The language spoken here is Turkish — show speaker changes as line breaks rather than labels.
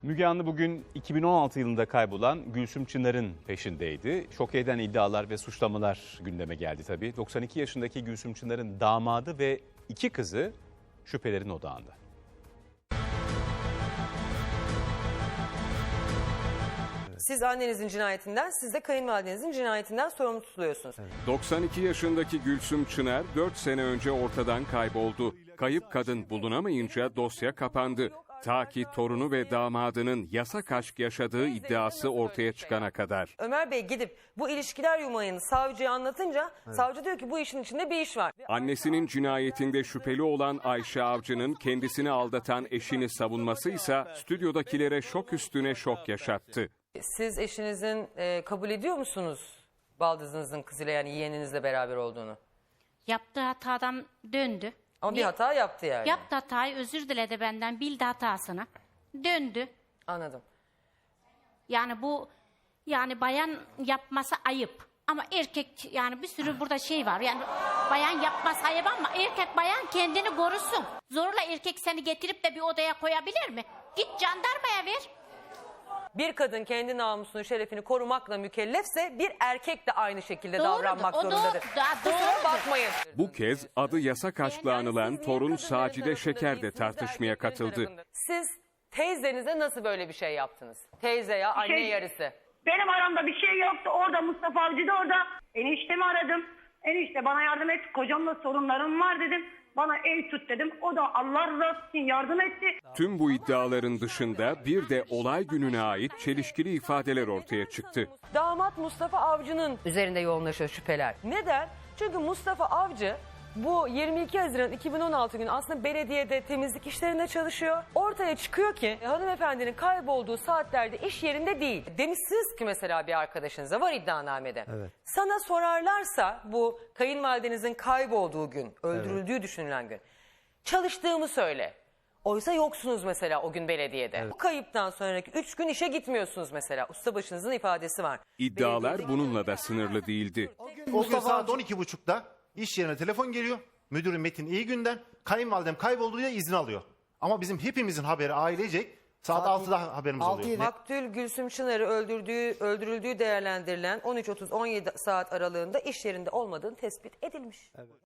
Müge Anlı bugün 2016 yılında kaybolan Gülsüm Çınar'ın peşindeydi. Şok eden iddialar ve suçlamalar gündeme geldi tabii. 92 yaşındaki Gülsüm Çınar'ın damadı ve 2 kızı şüphelerin odağında.
Siz annenizin cinayetinden, siz de kayınvalidenizin cinayetinden sorumlu tutuluyorsunuz.
92 yaşındaki Gülsüm Çınar 4 sene önce ortadan kayboldu. Kayıp kadın bulunamayınca dosya kapandı. Ta ki torunu ve damadının yasak aşk yaşadığı iddiası ortaya çıkana kadar.
Ömer Bey gidip bu ilişkiler yumağını savcıya anlatınca savcı diyor ki bu işin içinde bir iş var.
Annesinin cinayetinde şüpheli olan Ayşe Avcı'nın kendisini aldatan eşini savunması ise stüdyodakilere şok üstüne şok yaşattı.
Siz eşinizin kabul ediyor musunuz baldızınızın kızıyla, yani yeğeninizle beraber olduğunu?
Yaptığı hatadan döndü.
Ama bir hata yaptı yani.
Yaptı hatayı, özür diledi benden, bildi hatasını. Döndü.
Anladım.
Yani bu, yani bayan yapması ayıp. Ama erkek, yani bir sürü burada şey var. Yani bayan yapması ayıp ama erkek bayan kendini korusun. Zorla erkek seni getirip de bir odaya koyabilir mi? Git jandarmaya ver.
Bir kadın kendi namusunu, şerefini korumakla mükellefse bir erkek de aynı şekilde
Doğrudur,
davranmak
o
zorundadır. Kusura
doğrudur.
bakmayın.
Bu kez adı yasak aşkla anılan torun Sacide Şeker de tartışmaya katıldı.
Siz teyzenize nasıl böyle bir şey yaptınız? Teyze ya, anne yarısı.
Benim aramda bir şey yoktu. Orada Mustafa Avcı da orada. Eniştemi aradım. Enişte bana yardım et. Kocamla sorunlarım var dedim. Bana ev tut dedim. O da Allah razı olsun yardım etti.
Tüm bu iddiaların dışında bir de olay gününe ait çelişkili ifadeler ortaya çıktı.
Damat Mustafa Avcı'nın üzerinde yoğunlaşıyor şüpheler. Neden? Çünkü Mustafa Avcı bu 22 Haziran 2016 günü aslında belediyede temizlik işlerinde çalışıyor. Ortaya çıkıyor ki hanımefendinin kaybolduğu saatlerde iş yerinde değil. Demişsiniz ki mesela bir arkadaşınıza, var iddianamede. Evet. Sana sorarlarsa bu kayınvalidenizin kaybolduğu gün, öldürüldüğü düşünülen gün, çalıştığımı söyle. Oysa yoksunuz mesela o gün belediyede. Bu kayıptan sonraki 3 gün işe gitmiyorsunuz mesela. Ustabaşınızın ifadesi var.
İddialar bununla da sınırlı değildi.
O gün saat 12.30'da iş yerine telefon geliyor. Müdürüm Metin iyi günden. Kayınvalidem kayboldu diye izin alıyor. Ama bizim hepimizin haberi ailecek saat 6'da haberimiz oluyor.
Maktul Gülsüm Çınar'ı öldürüldüğü değerlendirilen 13.30-17 saat aralığında iş yerinde olmadığını tespit edilmiş.